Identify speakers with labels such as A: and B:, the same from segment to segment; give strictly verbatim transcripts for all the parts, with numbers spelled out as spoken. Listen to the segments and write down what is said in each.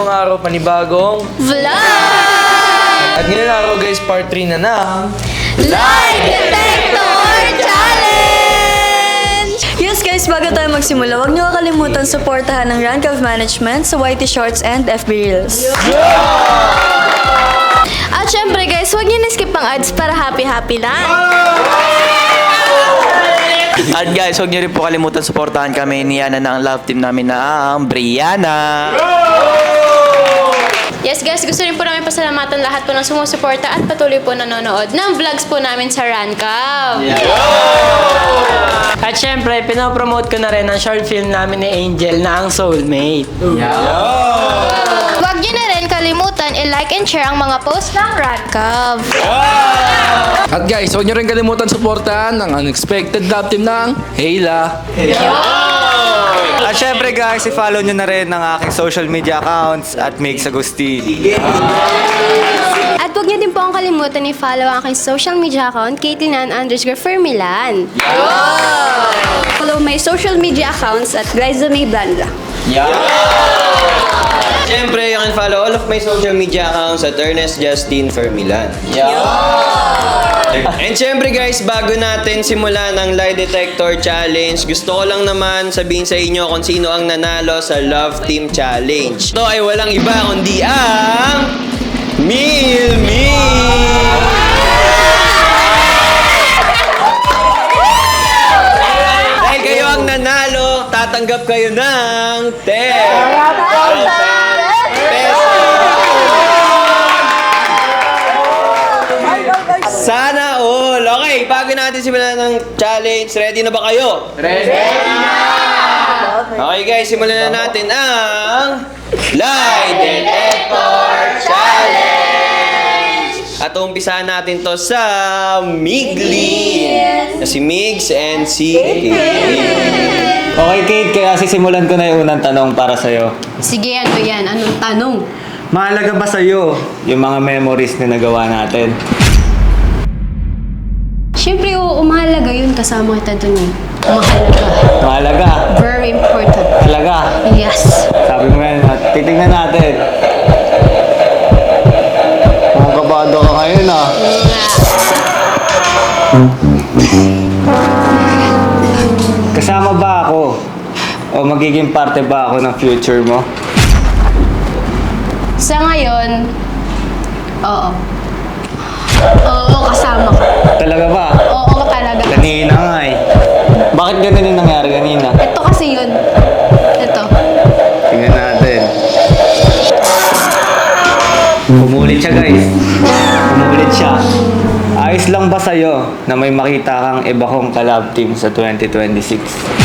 A: panibagong araw, panibagong
B: Vlog!
A: At ngayon araw guys, part three na ng
B: Lie Detector Challenge! Yes guys, bago tayo magsimula, huwag niyo kakalimutan suportahan ng Rank of Management sa Y T Shorts and F B Reels. At syempre guys, huwag niyo na-skip ang ads para happy-happy lang.
C: At guys, huwag niyo rin po kalimutan suportahan kami ni Yana ng love team namin na ang Brianna.
D: Yes guys, gusto rin po namin pasalamatan lahat po ng sumusuporta at patuloy po nanonood ng vlogs po namin sa Rancav.
E: At syempre, pinopromote ko na rin ang short film namin ni Angel na ang Soulmate.
D: Huwag nyo na rin kalimutan i-like and share ang mga post ng Rancav.
F: At guys, huwag nyo rin kalimutan suportahan ang unexpected love team ng Hayla.
C: At syempre guys, i-follow nyo na rin ang aking social media accounts at Mix Agustin.
D: At huwag nyo din po ang kalimutan i-follow ang aking social media account, Caitlyn underscore Fermilan.
B: Follow my social media accounts at Glyza May Blandra.
G: Siyempre, you can follow all of my social media accounts at Ernest Justin Fermilan. And siyempre guys, bago natin simulan ang Lie Detector Challenge, gusto ko lang naman sabihin sa inyo kung sino ang nanalo sa Love Team Challenge. Ito ay walang iba kundi ang Meal Meal! Dahil kayo ang nanalo, tatanggap kayo ng ten thousand pesos! Sana all! Okay, bago natin simulan ng challenge, ready na ba kayo? Ready na! Okay guys, simulan na natin ang Lie Detector Challenge! At umpisahan natin to sa Migli! Na si Migs and si Kate.
C: Okay Kate, kaya sisimulan ko na yung unang tanong para sa'yo.
D: Sige, ano yan? Anong tanong?
C: Mahalaga ba sa'yo yung mga memories na nagawa natin?
D: Siyempre, oo, mahalaga yun kasama kita dun eh. Mahalaga.
C: Mahalaga?
D: Very important.
C: Talaga?
D: Yes.
C: Sabi mo yan, at titignan natin. Mga kabado ka ngayon ah. Kasama ba ako? O magiging parte ba ako ng future mo?
D: Sa ngayon, oo. Oo, kasama ka.
C: Talaga ba?
D: Oo, talaga.
C: Kanina nga eh. Bakit ganun yung nangyari kanina?
D: Ito kasi yun. Ito.
C: Tingnan natin. Pumulit siya guys. Pumulit siya. Ayos lang ba sa'yo na may makita kang iba kong kalab team sa twenty twenty-six?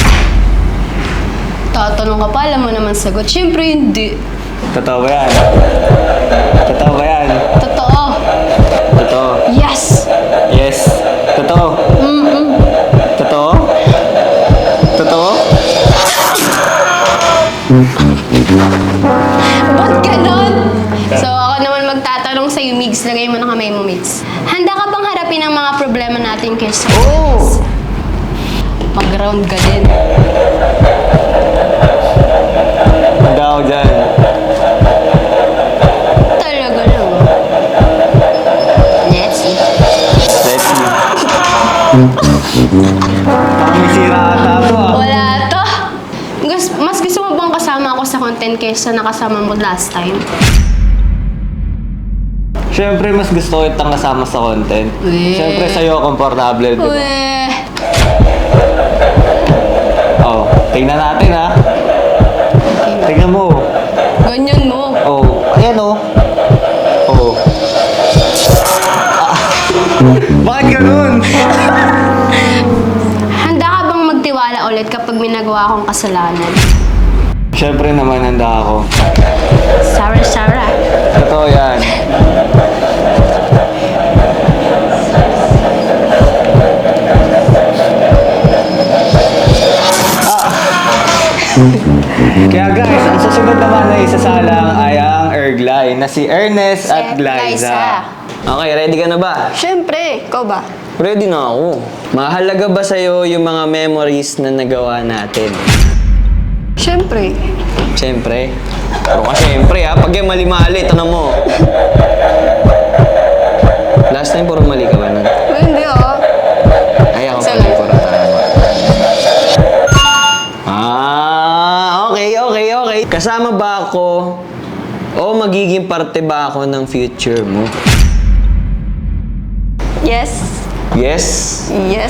D: Tatanong ka pa, alam mo naman sagot. Siyempre, hindi.
C: Totoo ba yan? Totoo ba yan?
D: Totoo.
C: Totoo.
D: Yes.
C: Yes. Totoo.
D: Mm-mm.
C: Totoo? Totoo?
D: Ba't ganon? So, ako naman magtatanong sa'yo, Migs. Lagay mo na kamay mo, Migs. Handa ka bang harapin ang mga problema natin kaysa? Oo! Mag-round ka din.
C: Handa ako dyan.
D: Talaga lang. Let's see.
C: Let's see. May sira ata ito ah.
D: Wala to. Gus- Mas gusto mo bang kasama ako sa content kaysa nakasama mo last time?
C: Siyempre, mas gusto ko itang kasama sa content.
D: Weh.
C: Siyempre, sa'yo, komportable, di ba?
D: Uwe.
C: Oh, tingnan natin ha. Tingnan mo.
D: Ganyan mo.
C: Oh, ayan oh. Oh. Ah. Bakit ganun?
D: Handa ka bang magtiwala ulit kapag may nagawa akong kasalanan?
C: Siyempre naman, handa ako.
D: Sarah, Sarah.
C: Totoo yan. Kaya guys, ang susunod naman na isasalang ay ang Erglay na si Ernest at Glyza.
G: Okay, ready ka na ba?
B: Siyempre, ikaw ba?
G: Ready na ako. Mahalaga ba sa'yo yung mga memories na nagawa natin?
B: Siyempre.
G: Siyempre. Pero kasi siyempre ha, pag yung mali-mali, tanong mo. Last time, puro mali ka ba nun?
D: Hindi oh.
G: Ay, ako
D: Isa
G: pala
D: lang.
G: puro tama. Ah, okay, okay, okay. Kasama ba ako o magiging parte ba ako ng future mo?
D: Yes.
G: Yes?
D: Yes.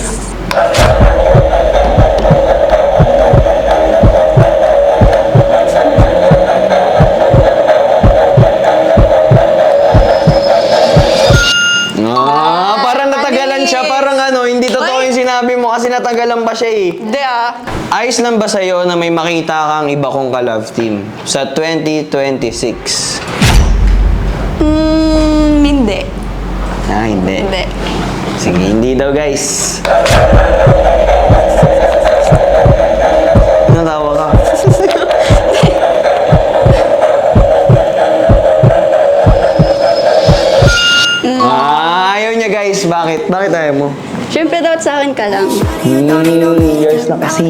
G: Ah, parang natagalan siya. Parang ano, hindi totoo yung sinabi mo kasi natagalan pa siya eh.
D: Hindi ah.
G: Ayos lang ba sa'yo na may makita kang iba kong ka-love team sa twenty twenty-six?
D: Hmm, hindi.
G: Ah, hindi.
D: Hindi.
G: Sige, hindi daw guys. Natawa ka. Ah, ayaw niya guys. Bakit? Bakit ayaw mo?
D: Siyempre dapat sa akin ka lang.
G: Hmm, yours na kasi.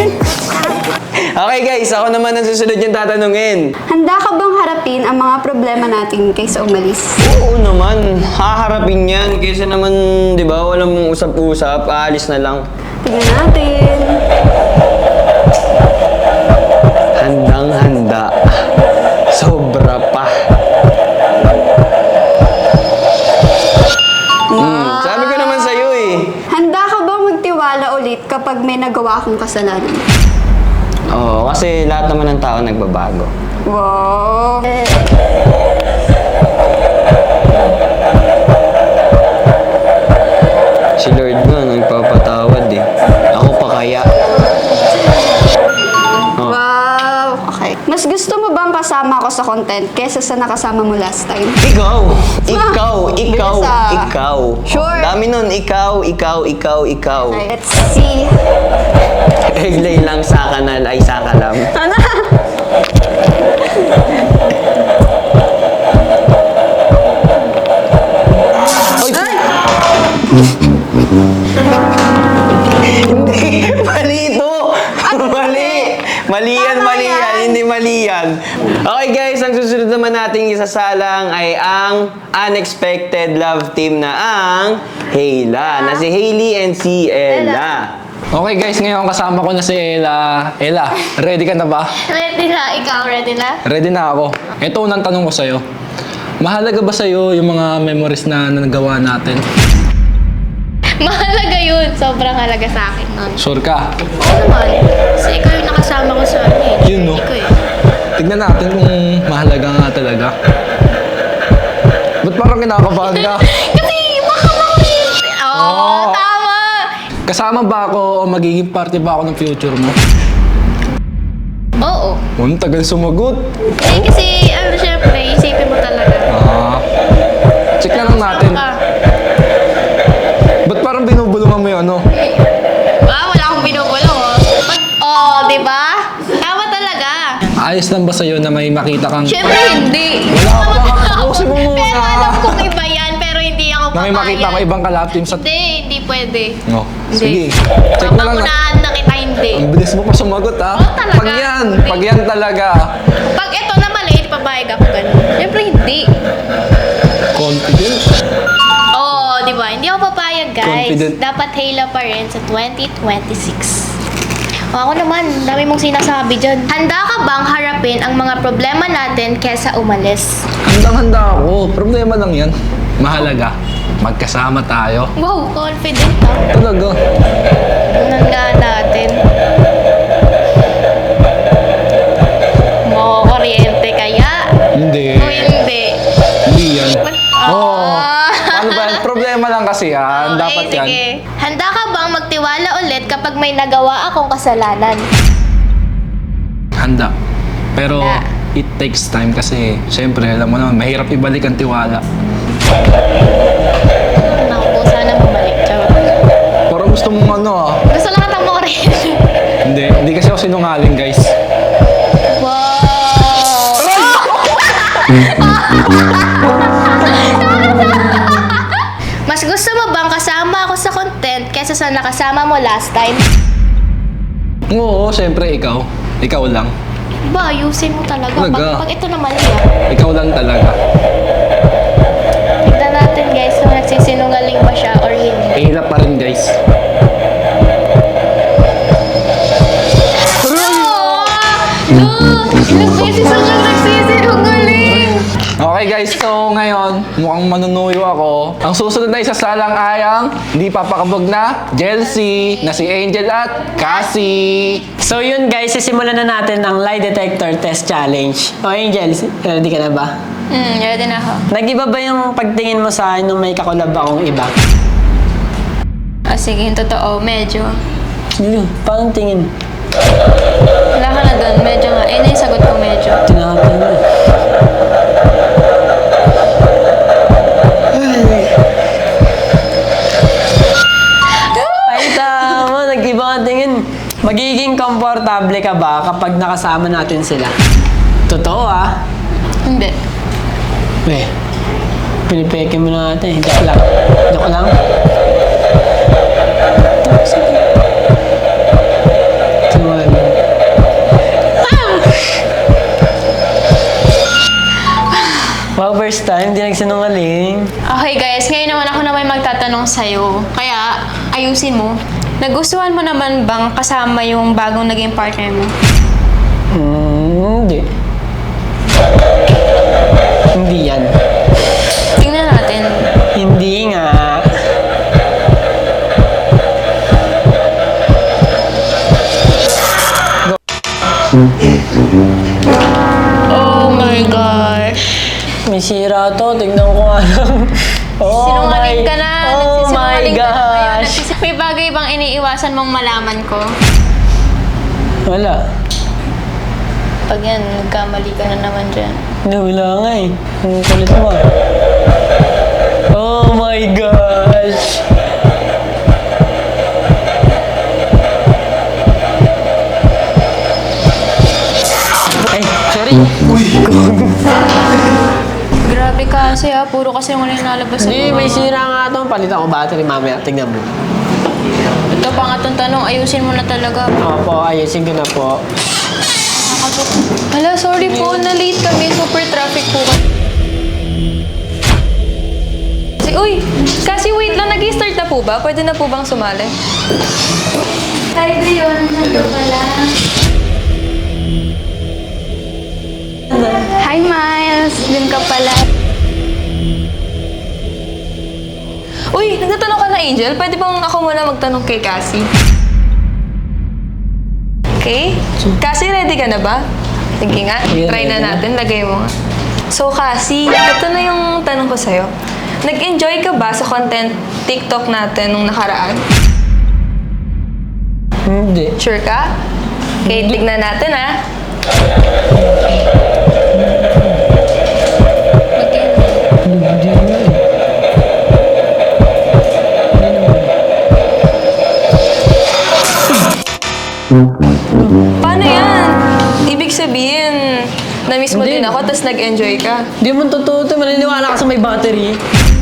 G: Okay guys, ako naman ang susunod yung tatanungin.
H: Handa ka bang harapin ang mga problema natin kaysa umalis?
G: Oo naman, haharapin yan. Kaysa naman, di ba, walang usap-usap, aalis na lang.
H: Tignan natin.
G: Handang-handa. Sobra pa. Hmm, sabi ko naman sa'yo eh.
H: Handa ka bang magtiwala ulit kapag may nagawa akong kasalanan?
G: Oo, kasi lahat naman ng tao nagbabago.
H: Wow.
G: Si Lord nga, nagpapatawad eh. Ako pa kaya. Oh.
H: Wow. Okay. Mas gusto mo bang kasama ako sa content kaysa sa nakasama mo last time?
G: Ikaw! Ikaw! Ikaw!
H: Bilis ah.
G: Ikaw!
H: Sure.
G: Dami nun. Ikaw, ikaw, ikaw, ikaw.
H: Okay, let's see.
G: Eglay lang sa kanal ay sa kalam.
H: Ano?
G: Hindi! Mali ito! Mali! Mali yan, mali yan. Hindi mali yan. Okay guys, ang susunod naman nating isasalang ay ang unexpected love team na ang Hayla. Na si Hailey and si Ella.
F: Okay guys, ngayon kasama ko na si Ella. Ella, ready ka na ba?
D: Ready na. Ikaw, ready na?
F: Ready na ako. Ito unang tanong ko sa'yo. Mahalaga ba sa'yo yung mga memories na nagawa natin?
D: Mahalaga yun. Sobrang halaga sa akin nun.
F: Sure ka?
D: Oo naman. Kasi ikaw yung nakasama ko sa ano eh.
F: Yun, no?
D: Ikaw eh.
F: Tignan natin kung mahalaga nga talaga. Ba't parang kinakabahan ka?
D: Kasi baka makulit. Oo,
F: Oo.
D: tama.
F: Kasama ba ako o magiging parte ba ako ng future mo?
D: Oo.
F: Ang tagal sumagot.
D: Eh, kasi ano syempre, isipin mo talaga.
F: Ah. Check na lang natin.
D: Ka.
F: Ba't parang binubulungan mo yung ano?
D: Ah, wala akong binubulong oh. Pag, oh, di ba? Tama talaga.
F: Ayos lang ba sa'yo na may makita kang...
D: Syempre hindi.
F: Wala
D: Tama
F: pa.
D: ka.
F: Tapusin mo muna.
D: Pero alam kong iba yan, pero hindi ako
F: Na may makita ko ibang kalab team sa...
D: Hindi, hindi pwede.
F: No.
D: Hindi.
F: Sige. Check na lang. na-
D: Papagunahan na kita, hindi.
F: Ang bilis mo pa sumagot ah.
D: Oo, talaga.
F: Pag yan,
D: Hindi.
F: pag yan talaga.
D: Pag ito na maliit, pabayag ako ganun. Syempre hindi.
F: Confident.
D: Oo, di ba? Hindi ako papayag, guys.
F: Confident.
D: Dapat Hayla pa rin sa twenty twenty-six. O ako naman, dami mong sinasabi dyan. Handa ka bang harapin ang mga problema natin kesa umalis?
F: Handang-handa ako. Problema lang yan. Mahalaga. Magkasama tayo.
D: Wow, confident ah.
F: Talaga.
D: Handa natin. Makakuryente kaya?
F: Hindi.
D: O hindi?
F: Hindi yan.
D: Ah.
F: Oo. Ano ba yan? Problema lang kasi yan.
D: Okay,
F: Dapat yan.
D: sige. Handa ka bang magtiwala ulit kapag may nagawa akong kasalanan?
F: Handa. Pero
D: Handa.
F: it takes time kasi syempre alam mo naman mahirap ibalik ang tiwala.
D: Naku, sana bumalik. Charot.
F: Parang gusto mong ano ah.
D: Gusto lang katang mo rin.
F: Hindi. Hindi kasi ako sinungaling guys.
D: Wow! Mas gusto mo bang kasama ako sa content kaysa sa nakasama mo last time?
F: Oo, syempre ikaw. Ikaw lang.
D: Ba, ayusin mo talaga.
F: Talaga?
D: Pag, pag ito na mali ah.
F: Ikaw lang talaga.
D: Tignan natin guys kung nagsisinungaling ba siya or hindi.
F: Hirap pa rin guys.
D: No! Ilang beses ako nagsisinungaling!
F: Okay guys, so ngayon, mukhang manunuyo ako. Ang susunod na isasalang ay ang hindi papakabog na Jelcy, na si Angel at Cassie.
E: So yun guys, sisimulan na natin ang lie detector test challenge. O Angel, ready ka na ba?
D: Hmm, ready na ako.
E: Nag-iba ba yung pagtingin mo sa akin nung may kakulab akong iba?
D: Ah, sige, yung totoo, medyo.
E: Yun, parang tingin.
D: Wala ka na doon, medyo nga. Eh, na yung sagot ko, medyo.
E: Tinapin mo. Ay, tama. Nag-iba ka tingin. Magiging komportable ka ba kapag nakasama natin sila? Totoo ah.
D: Hindi.
E: Eh, pinipeke mo na natin. Joke lang. Joke lang. Sige. Sumali. Wow, first time, di nagsinungaling.
D: Okay guys, ngayon naman ako na may magtatanong sa'yo. Kaya, ayusin mo. Nagustuhan mo naman bang kasama yung bagong naging partner mo?
E: Hmm, hindi. Hindi yan.
D: Tingnan natin.
E: Hindi nga.
D: Oh my gosh.
E: May sira to, tignan ko nga lang. Oh
D: Sinungaling
E: my-
D: ka na.
E: Oh my
D: Nagsisinungaling ka na ngayon.
E: gosh.
D: Nagsis- May bagay bang iniiwasan mong malaman ko?
E: Wala.
D: Pag yan, nagkamali ka na naman dyan.
E: Hindi, wala nga eh. Ang kulit mo ah. Oh my gosh. Ay, sorry.
D: Grabe kasi ha, puro kasi yung nilalabas sa
E: Hindi,
D: mga-
E: may sira nga to. Palitan ko battery mamaya. Tignan mo.
D: Ito pa nga itong tanong, ayusin mo na talaga.
E: Opo, ayusin ko na po.
D: Hala, sorry po, na-late kami. Super traffic po. Si, uy, kasi wait lang, nag-start na po ba? Pwede na po bang sumali? Hi, Brion. Hello pala. Hi, Miles. Dun ka pala. Uy, nagtatanong ka na, Angel. Pwede bang ako muna magtanong kay Cassie? Okay? Cassie, ready ka na ba? Sige nga,
E: Yeah,
D: try na
E: ready na.
D: natin. Lagay mo nga. So, Cassie, ito na yung tanong ko sa'yo. Nag-enjoy ka ba sa content TikTok natin nung nakaraan?
E: Hindi.
D: Sure ka? Okay, tignan natin ha. Paano yan? Ibig sabihin, na-miss mo
E: Hindi.
D: din ako, tapos nag-enjoy ka.
E: Di mo totoo ito. Maniniwala ka sa may battery.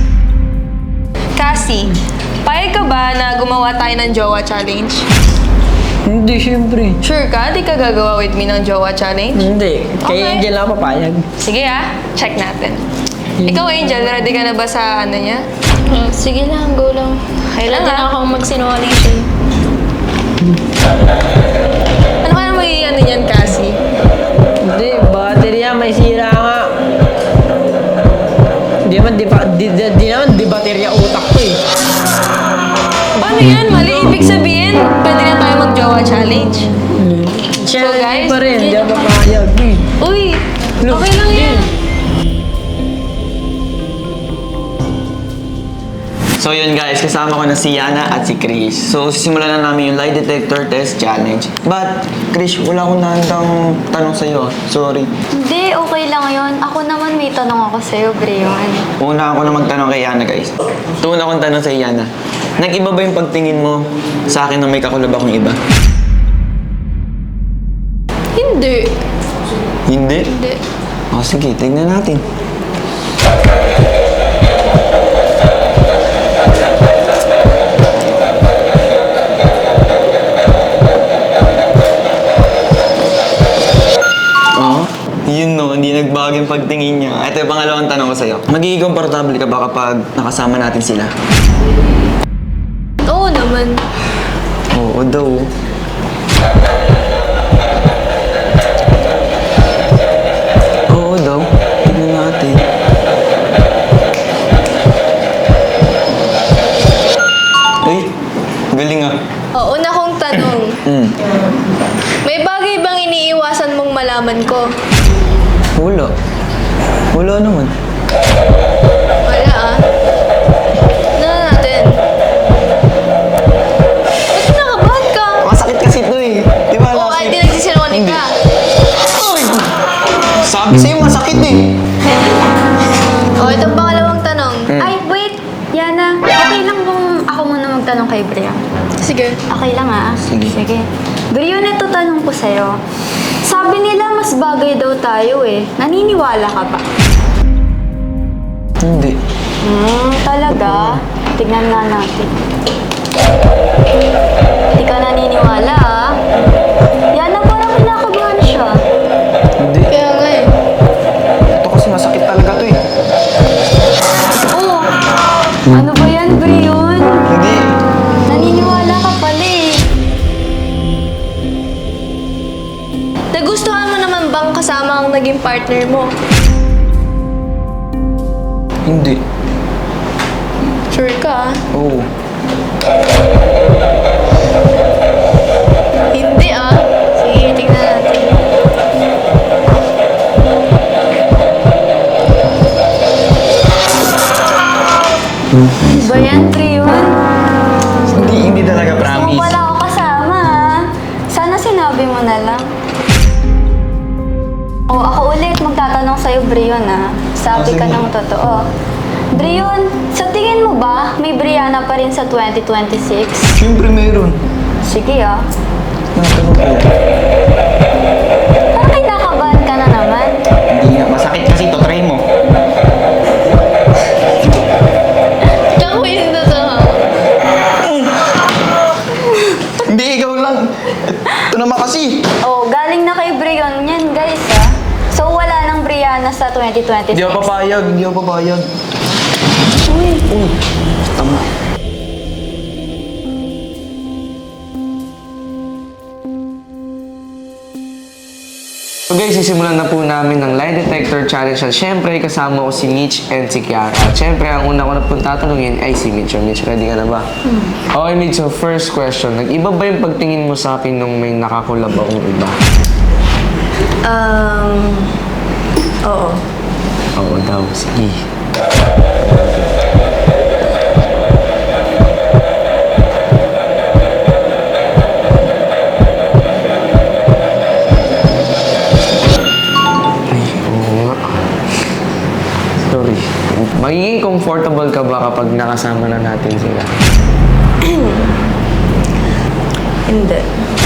D: Cassie, payag ka ba na gumawa tayo ng Jowa Challenge?
E: Hindi, syempre.
D: Sure ka? Di ka gagawa with me ng Jowa Challenge?
E: Hindi. Kay
D: Okay.
E: Angel lang papayag.
D: Sige ah, check natin. Ikaw, Angel, ready ka na ba sa ano niya? sige lang, go lang. Kailan na akong magsinungaling siya. Ano kaya magiging ano niyan, Cassie?
E: Hindi, battery yan. May sira nga. Di naman, di, ba, di, di, di naman, di baterya utak ko eh.
D: Paano yan? Mali ibig sabihin, pwede na tayo mag-Jowa Challenge.
E: Siya,
D: So,
E: hindi
D: guys,
E: pa rin. Hindi
D: yun
E: ako
D: yung-
E: papayag. eh.
D: Uy,
E: Look,
D: okay lang yan.
C: So yun guys, kasama ko na si Yana at si Chris. So simulan na namin yung lie detector test challenge. But, Chris, wala akong nahandang tanong sa'yo. Sorry.
H: Hindi, okay lang yun. Ako naman may tanong ako sa'yo, Brion.
C: Una ako na magtanong kay Yana guys. Ito una akong tanong sa Yana. Nag-iba ba yung pagtingin mo sa akin na may kakulab akong iba?
D: Hindi.
C: Hindi?
D: Hindi.
C: O sige, tignan natin. yung pagtingin niya. Ito yung pangalawang tanong ko sa'yo. Magiging komportable ka ba kapag nakasama natin sila?
B: Oo naman.
C: Oo daw. Oo daw. Tignan natin. Ay, galing ah.
B: Oo, una kong tanong.
C: Hmm.
B: May bagay bang iniiwasan mong malaman ko?
C: Wala. Wala naman.
B: Wala ah. Ano na natin? Ba't kinakabahan ka?
C: Masakit kasi ito eh. Di ba?
B: Oo,
C: last
B: kahit di
C: week-
B: nagsisinungaling ka.
C: Ay! Sabi sa'yo, masakit eh.
B: Oo, itong pangalawang tanong.
C: Hmm.
H: Ay, wait! Yana, okay lang kung ako muna magtanong kay Bria.
B: Sige.
H: Okay lang ah.
C: Sige.
H: Sige. Bria, ito tanong ko sa'yo. Sabi nila mas bagay daw tayo eh. Naniniwala ka ba?
C: Hindi.
H: Hmm, talaga? Tignan nga natin. Hindi ka naniniwala ah. Yana, parang kinakabahan siya.
C: Hindi.
B: Kaya nga eh.
C: Ito kasi masakit talaga to eh.
H: Oh, ano ba yan, Brion?
C: Hindi.
H: Naniniwala ka pala eh.
B: Nagustuhan mo naman bang kasama ang naging partner mo?
C: Hindi.
B: Sure ka ah?
C: Oo.
B: Hindi ah. Sige, tingnan natin.
H: Ano ba yan, Brion?
C: Hindi, hindi talaga
H: Gusto mo
C: promise.
H: pala ako kasama ah. Sana sinabi mo na lang. O, ako ulit magtatanong sa'yo, Brion ah. Sabi ka ng totoo. Brion, sa tingin mo ba may Brianna pa rin sa twenty twenty-six?
C: Siyempre meron.
H: Sige ah.
C: Natanong ko.
H: Parang kinakabahan ka na naman.
C: Hindi nga, masakit kasi to. Try mo.
B: Tsaka ko yung totoo.
C: Hindi, ikaw lang. Ito naman kasi.
H: Oh, galing na kay Brion yan, guys ah. So, wala nang Brianna sa twenty twenty-six.
C: Hindi ako papayag. Hindi ako papayag.
H: Uy.
C: Uy, tama.
A: So guys, sisimulan na po namin ng lie detector challenge at syempre kasama ko si Mitch and si Kiara. At syempre, ang una ko na pong tatanungin ay si Mitch. So Mitch, ready ka na ba? Okay Mitch, so first question. Nag-iba ba yung pagtingin mo sa akin nung may nakakulab akong iba?
B: Um, oo.
A: Oo daw, sige. Ay, oo nga. Sorry. Magiging comfortable ka ba kapag nakasama na natin sila?
B: Hindi.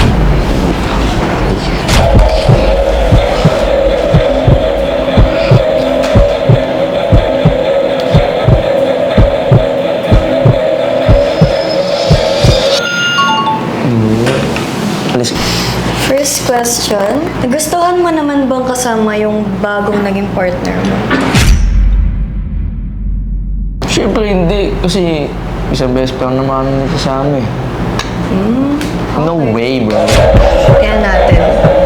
A: Alis.
B: First question, nagustuhan mo naman bang kasama yung bagong naging partner mo?
A: Siyempre hindi. Kasi isang beses pa lang naman kami nagsasama eh. No way, bro.
B: Kaya natin.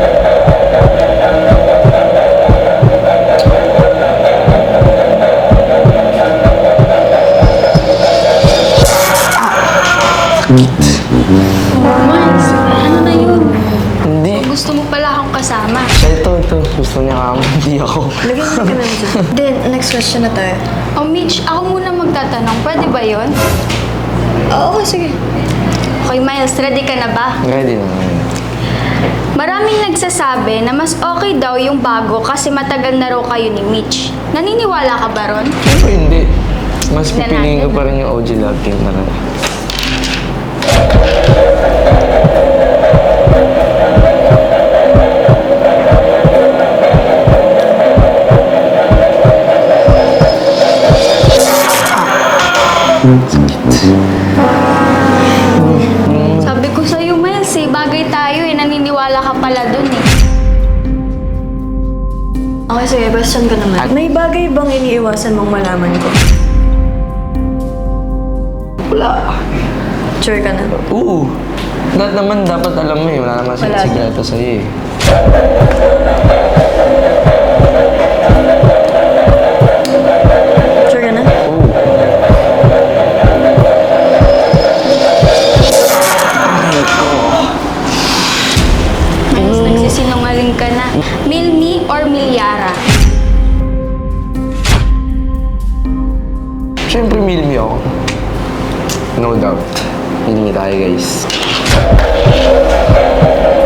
D: Mars, ano na yun?
A: Hindi.
D: Gusto mo pala akong kasama.
A: Siya ito, ito. Gusto niya ka, hindi ako.
B: Lagyan mo ka naman dyan. Then, next question na tayo.
D: O Mitch, ako muna magtatanong. Pwede ba yun?
B: Oo, okay, sige.
D: Okay, Miles, ready ka na ba?
A: Ready na.
D: Maraming nagsasabi na mas okay daw yung bago kasi matagal na raw kayo ni Mitch. Naniniwala ka ba ron?
A: Siyempre hindi. Mas
D: Tignan
A: pipiliin ko
D: natin.
A: pa rin yung O G Love Team na rin.
D: Sabi ko sa'yo, Miles, eh, bagay tayo eh. Naniniwala ka pala dun eh.
B: Okay, sige. Question ko naman. May bagay bang iniiwasan mong malaman ko?
A: Wala.
B: Sure ka na?
A: Oo. Lahat naman dapat alam mo eh. Wala naman
B: Wala.
A: sikreto sa'yo eh.
B: Sure ka na?
A: Oo.
D: Mas nagsisinungaling ka na. Milmi or Milyara?
A: Siyempre, Milmi ako. No doubt. Milmi tayo, guys.